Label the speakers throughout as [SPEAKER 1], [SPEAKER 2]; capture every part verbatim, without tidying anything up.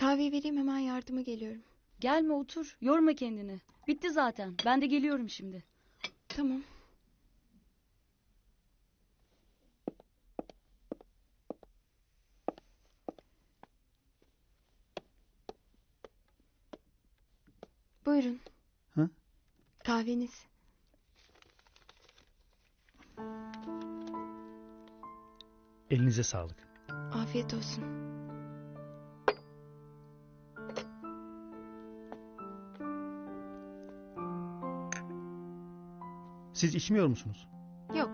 [SPEAKER 1] Kahveyi vereyim, hemen yardıma geliyorum.
[SPEAKER 2] Gelme otur. Yorma kendini. Bitti zaten. Ben de geliyorum şimdi.
[SPEAKER 1] Tamam. Buyurun.
[SPEAKER 3] Ha?
[SPEAKER 1] Kahveniz.
[SPEAKER 3] Elinize sağlık.
[SPEAKER 1] Afiyet olsun.
[SPEAKER 3] Siz içmiyor musunuz?
[SPEAKER 1] Yok.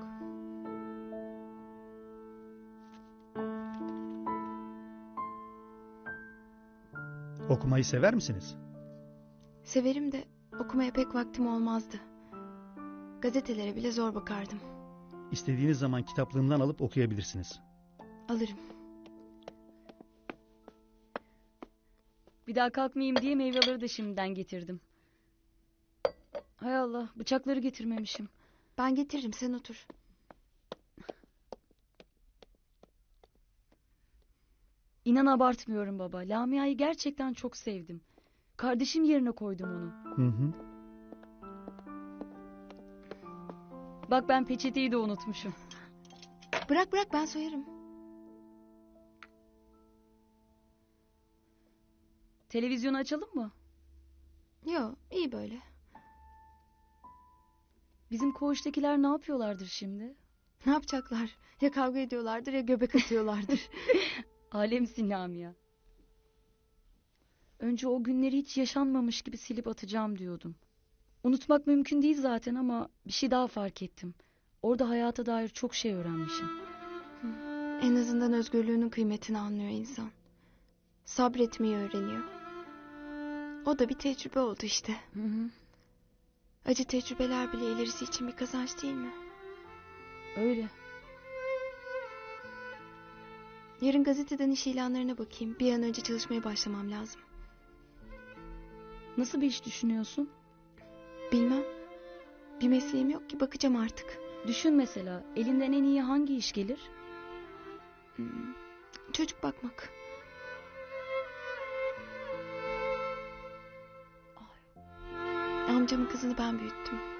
[SPEAKER 3] Okumayı sever misiniz?
[SPEAKER 1] Severim de okumaya pek vaktim olmazdı. Gazetelere bile zor bakardım.
[SPEAKER 3] İstediğiniz zaman kitaplığımdan alıp okuyabilirsiniz.
[SPEAKER 1] Alırım.
[SPEAKER 2] Bir daha kalkmayayım diye meyveleri de şimdiden getirdim. Hay Allah, bıçakları getirmemişim.
[SPEAKER 1] Ben getiririm, sen otur.
[SPEAKER 2] İnan abartmıyorum baba. Lamia'yı gerçekten çok sevdim. Kardeşim yerine koydum onu.
[SPEAKER 3] Hı hı.
[SPEAKER 2] Bak ben peçeteyi de unutmuşum.
[SPEAKER 1] Bırak bırak, ben soyarım.
[SPEAKER 2] Televizyonu açalım mı?
[SPEAKER 1] Yo, iyi böyle.
[SPEAKER 2] Bizim koğuştakiler ne yapıyorlardır şimdi?
[SPEAKER 1] Ne yapacaklar? Ya kavga ediyorlardır ya göbek atıyorlardır.
[SPEAKER 2] Alemsin Lamia. Önce o günleri hiç yaşanmamış gibi silip atacağım diyordum. Unutmak mümkün değil zaten ama bir şey daha fark ettim. Orada hayata dair çok şey öğrenmişim.
[SPEAKER 1] En azından özgürlüğünün kıymetini anlıyor insan. Sabretmeyi öğreniyor. O da bir tecrübe oldu işte.
[SPEAKER 2] Hı hı.
[SPEAKER 1] Acı tecrübeler bile ilerisi için bir kazanç değil mi?
[SPEAKER 2] Öyle.
[SPEAKER 1] Yarın gazeteden iş ilanlarına bakayım. Bir an önce çalışmaya başlamam lazım.
[SPEAKER 2] Nasıl bir iş düşünüyorsun?
[SPEAKER 1] Bilmem. Bir mesleğim yok ki, bakacağım artık.
[SPEAKER 2] Düşün mesela, elinden en iyi hangi iş gelir?
[SPEAKER 1] Hmm, Çocuk bakmak. Amcamın kızını ben büyüttüm.